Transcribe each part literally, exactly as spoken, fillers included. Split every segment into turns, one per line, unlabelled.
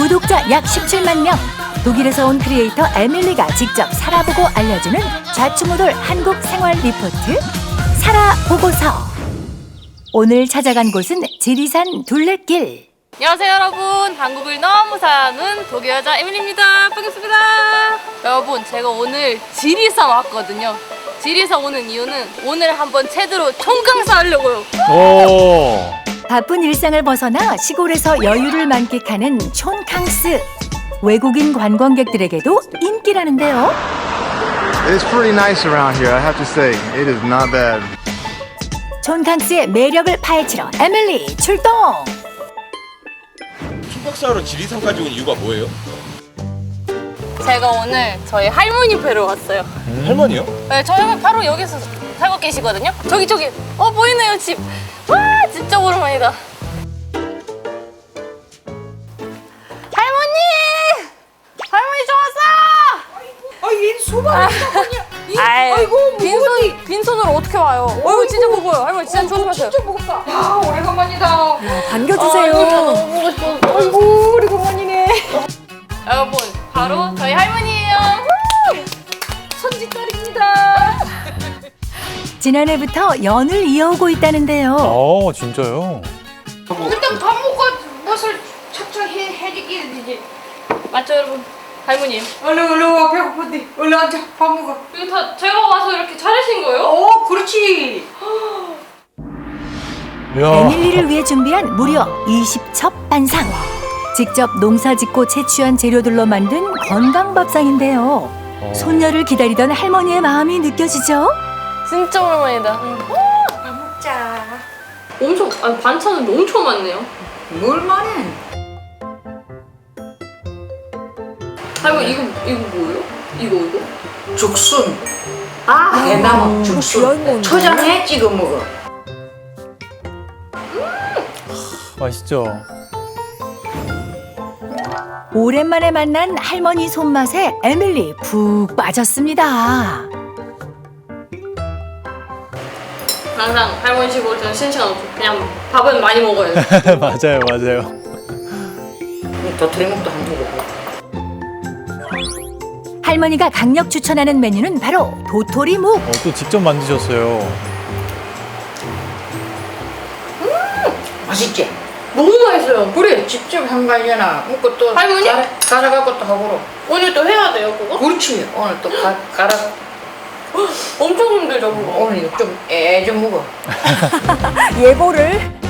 구독자 약 십칠만 명. 독일에서 온 크리에이터 에밀리가 직접 살아보고 알려주는 좌충우돌 한국 생활 리포트 살아보고서. 오늘 찾아간 곳은 지리산 둘레길.
안녕하세요 여러분, 한국을 너무 사는 독일 여자 에밀리입니다. 반갑습니다. 여러분, 제가 오늘 지리산 왔거든요. 지리산 오는 이유는 오늘 한번 제대로 총강사 하려고요.
오.
바쁜 일상을 벗어나 시골에서 여유를 만끽하는 촌캉스. 외국인 관광객들에게도 인기라는데요.
It's pretty nice around here, I have to say. It is not bad.
촌캉스의 매력을 파헤치러 에밀리 출동!
숙박사로 지리산까지 온 이유가 뭐예요?
제가 오늘 저희 할머니 뵈러 왔어요.
음. 할머니요?
네, 저희 할머니 바로 여기서 살고 계시거든요. 저기 저기 어 보이네요 집. 와 진짜 오랜만이다. 할머니! 할머니 좋았어!
아, 얘 소방이 있다더니.
아이고
아이고,
빈손 빈손으로 어떻게 와요? 어이구 진짜 무거워요. 할머니 진짜 조심하세요.
진짜 무겁다. 아, 오래간만이다.
반겨주세요.
아, 너무 보고 싶어.
아이고, 오래간만이네.
여러분 바로 저희 할머니예요.
손짓딸입니다.
지난해부터 연을 이어오고 있다는데요.
어, 진짜요?
일단 밥 먹고 무엇을 착착 해, 해지기 이제.
맞죠 여러분? 할머니
얼른 얼른 와, 배고픈데. 얼른 앉아, 밥 먹어.
이거 다 제가 와서 이렇게 차리신 거예요?
어, 그렇지.
이야.
에밀리를 위해 준비한 무려 이십 첩 반상. 직접 농사짓고 채취한 재료들로 만든 건강밥상인데요.
어.
손녀를 기다리던 할머니의 마음이 느껴지죠?
진짜 오랜만이다.
밥 먹자.
엄청 아니 반찬은 엄청 많네요.
뭘 말해?
할머니 이거 이거 뭐예요? 이거 이거?
죽순. 아, 대나무 죽순. 초장에 찍어 먹어.
맛있죠?
오랜만에 만난 할머니 손맛에 에밀리 푹 빠졌습니다.
항상 할머니 집 올 때는 신시간 없고 그냥 밥은 많이 먹어요.
맞아요, 맞아요.
도토리묵도 한 번 먹어.
할머니가 강력 추천하는 메뉴는 바로 도토리묵.
어, 또 직접 만드셨어요.
맛있지?
너무 맛있어요.
그래, 직접 한 거 아니잖아. 먹고 또
할머니?
갈아, 갈아갖고 또 하고.
오늘 또 해야 돼요 그거?
그렇지. 오늘 또 가, 갈아.
엄청 힘들죠 그거.
오늘 좀 애 좀 먹어.
예보를.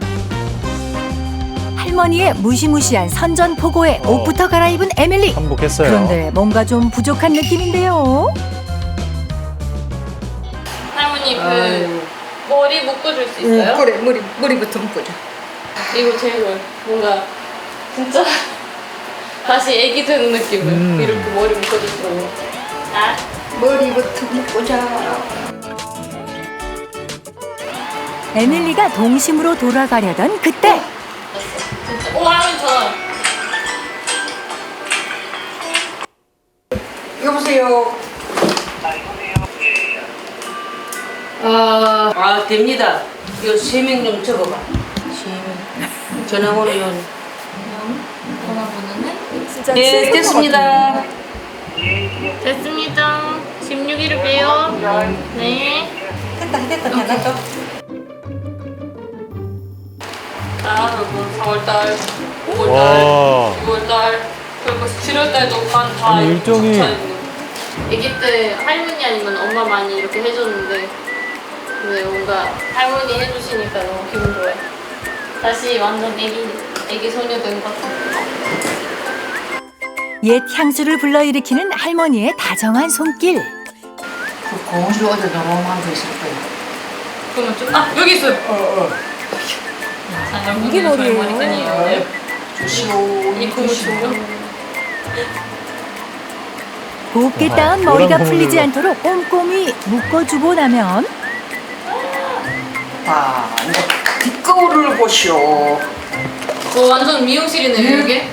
할머니의 무시무시한 선전포고에
어.
옷부터 갈아입은 에밀리.
한복했어요.
그런데 뭔가 좀 부족한 느낌인데요.
할머니 그
아유.
머리 묶어줄 수 있어요?
응, 그래, 머리, 머리부터 묶어줘.
이거 제일 뭔가 진짜 다시 애기 되는 느낌을
음.
이렇게 머리 묶어주시고. 아
머리부터 묶어자.
에밀리가 동심으로 돌아가려던 그때
진짜. 오 할머니 전화.
여보세요. 아, 아 됩니다. 이거 세 명 좀 적어봐. 세 명. 전화번호요.
전화번호는?
진짜
네, 됐습니다.
됐습니다. 십육 일을 빼요. 네.
됐다, 됐다, 됐다.
자, 여러분 사월달, 오월달,
와.
유월달, 그리고 칠월달도 반다
아니, 일정이-
아기 때 할머니 아니면 엄마 많이 이렇게 해줬는데 근데 뭔가 할머니 해주시니까 너무 기분 좋아요. 다시 완전 애기, 애기 소녀 된 것 같아요.
옛 향수를 불러일으키는 할머니의 다정한 손길.
그 고무줄 어디 너무한 거 있을 거야.
그러면 좀, 아! 여기 있어요!
어, 어.
자, 여러분, 이게 저희 머리끈이에요.
조시오.
이 고무 친구.
곱게
아하,
따은
노란
머리가
고무줄로.
풀리지 않도록 꼼꼼히 묶어주고 나면
아, 이제 뒷거울을 보시오.
어, 완전 미용실이네요, 이게.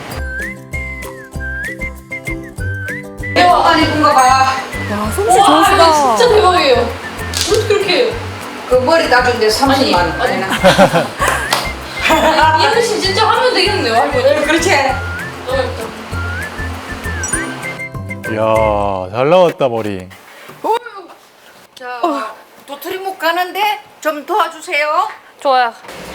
대박만 입은 거 봐.
야, 솜씨
와,
좋으시다.
이거 진짜 대박이에요. 어떻게 그렇게 해요?
그 머리 따준데 삼십만 원.
아니,
아니,
이현 씨 진짜 하면 되겠네요, 할머니.
그렇지.
너무
이야, 잘 나왔다, 머리.
자, 도토리묵 가는데 좀 도와주세요.
좋아요.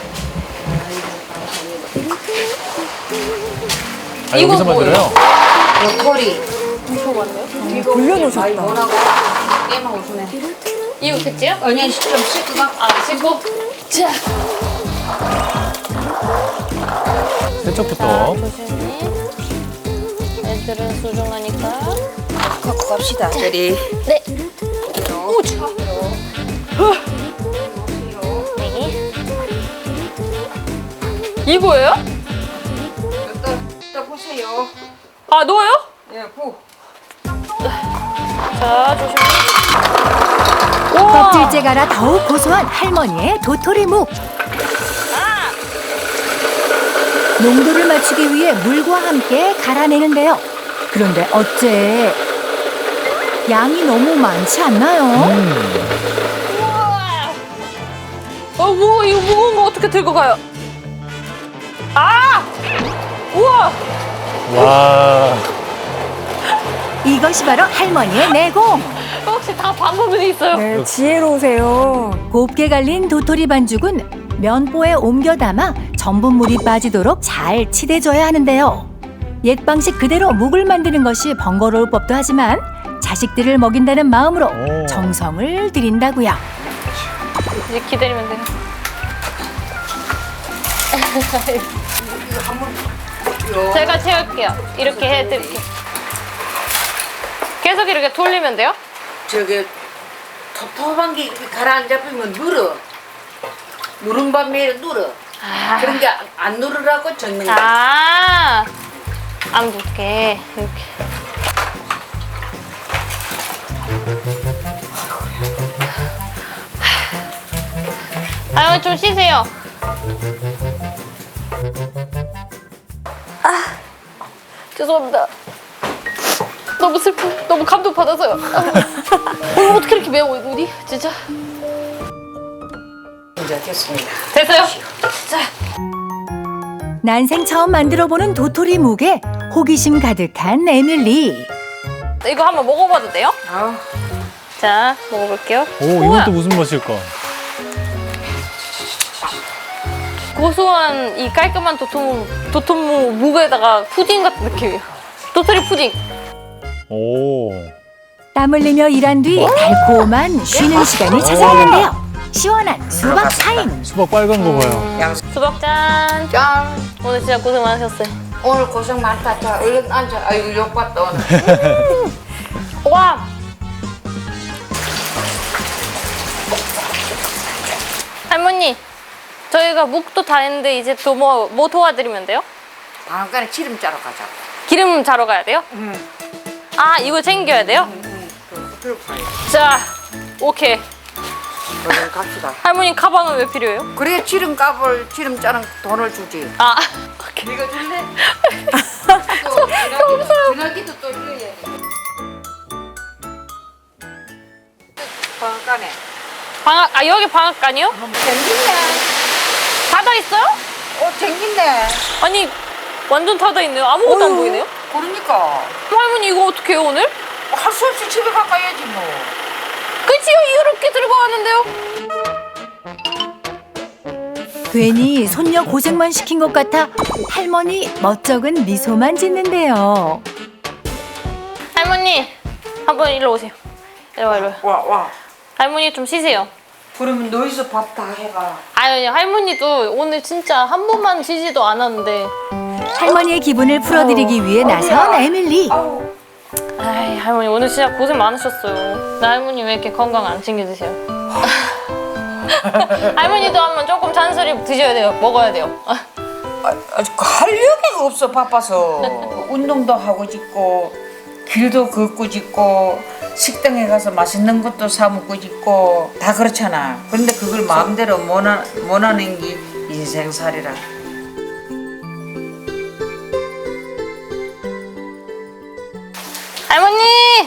아,
이거
여기서
뭐예요?
만들어요?
도토리.
돌려놓으셨다.
뭐라고? 깨만 웃으네.
이거 됐지요?
아니, 좀 씻고 가.
아, 씻고. 자,
세척부터.
조심히. 애들은 소중하니까.
갖고 갑시다. 저리.
네. 오, 차. 네. 이거예요?
또, 또 보세요.
아, 넣어요?
예, 부.
자, 조심히. 우와.
껍질째 갈아 더욱 고소한 할머니의 도토리묵. 농도를 맞추기 위해 물과 함께 갈아내는데요. 그런데 어째 양이 너무 많지 않나요?
어, 우와, 이거 무거운 거 어떻게 들고 가요? 아! 우와!
와,
이것이 바로 할머니의 내공.
혹시 다 방법이 있어요?
네, 지혜로우세요. 곱게 갈린 도토리 반죽은 면보에 옮겨 담아 전분물이 빠지도록 잘 치대줘야 하는데요. 옛 방식 그대로 묵을 만드는 것이 번거로울 법도 하지만 자식들을 먹인다는 마음으로
오.
정성을 들인다고요.
이제 기다리면 돼요. 제가 채울게요. 이렇게 해드릴게요. 계속 이렇게 돌리면 돼요?
저기 텁텁한 게 이렇게 가라앉아버리면 눌어. 누른 밤에 눌어.
아,
그런 게 안 누르라고 젓는 거야.
아, 안 붙게 이렇게. 아유, 좀 쉬세요. 아, 죄송합니다. 너무 슬퍼. 너무 감동 받아서요. 어, 어떻게 이렇게 매워 눈이? 진짜.
이제 됐습니다.
됐어요? 자,
난생 처음 만들어보는 도토리 묵에 호기심 가득한 에밀리.
이거 한번 먹어봐도 돼요?
아,
자, 먹어볼게요.
오,
우와,
이건 또 무슨 맛일까?
고소한 이 깔끔한 도톰 도톰무 무에다가 푸딩 같은 느낌이에요. 도토리 푸딩.
오,
땀 흘리며 일한 뒤 달콤한 쉬는 시간이 찾아오는데요. 시원한 수박 타임.
수박 빨간 거 봐요.
양
수박 짠.
짠.
오늘 진짜 고생 많으셨어요.
오늘 고생 많다. 자, 얼른 앉아. 아이고, 욕봤다, 오늘.
와. 할머니, 저희가 묵도 다 했는데 이제 또 뭐 뭐 도와드리면 돼요?
방앗간에 기름 짜러 가자.
기름 자러 가야 돼요?
응.
아, 이거 챙겨야 돼요?
응, 그 들어가요.
자, 오케이.
얼른 갑시다.
할머니 가방은 왜 필요해요?
그래, 기름값을, 기름 짜는 돈을 주지.
아,
네가 줄래? 또 전화기도, 전화기도 또 이어야 돼. 방앗간에.
방학, 아 여기 방학간이요?
쟁긴네.
닫아 있어요?
어, 쟁긴네.
아니 완전 닫아 있네요. 아무것도 안 보이네요.
그러니까.
할머니 이거 어떻게 해요 오늘?
할 수 없이 집에 가까야지 뭐.
그치요, 이렇게 들고 왔는데요.
괜히 손녀 고생만 시킨 것 같아 할머니 멋쩍은 미소만 짓는데요.
할머니 한번 일로 오세요. 일로 와, 일로 와.
와, 와.
할머니 좀 쉬세요.
그러면 너희서 밥 다 해봐.
아니 할머니도 오늘 진짜 한 번만 쉬지도 않았는데.
할머니의 기분을 풀어드리기 위해 나선 에밀리.
아우.
아이 할머니 오늘 진짜 고생 많으셨어요. 나 할머니 왜 이렇게 건강 안 챙겨 드세요? 할머니도 한번 조금 잔소리 드셔야 돼요. 먹어야 돼요.
아, 아직 할 여기가 없어, 바빠서. 운동도 하고 싶고, 길도 걷고 싶고, 식당에 가서 맛있는 것도 사 먹고 싶고, 다 그렇잖아. 그런데 그걸 마음대로 못, 하, 못 하는 게 인생살이라.
할머니!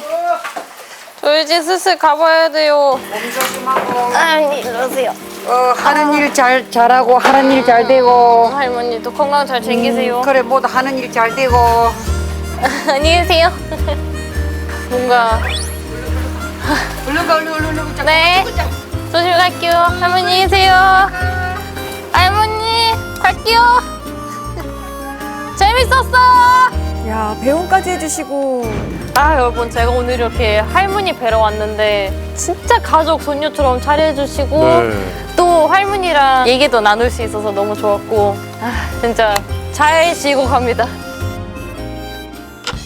저 이제 슬슬 가봐야 돼요.
몸 조심하고,
할머니 이러세요.
어, 하는 일 잘, 잘하고, 하는 일 잘 되고,
할머니도 건강 잘 챙기세요.
그래, 모두 하는 일 잘 되고.
안녕히 계세요. 뭔가
얼른 가 얼른 얼른 얼른 자.
네. 조심히 갈게요. 할머니 계세요. 할머니 갈게요. 재밌었어.
야, 배웅까지 해주시고.
아 여러분 제가 오늘 이렇게 할머니 뵈러 왔는데 진짜 가족 손녀처럼 잘해주시고
네.
또 할머니랑 얘기도 나눌 수 있어서 너무 좋았고 아 진짜 잘 쉬고 갑니다.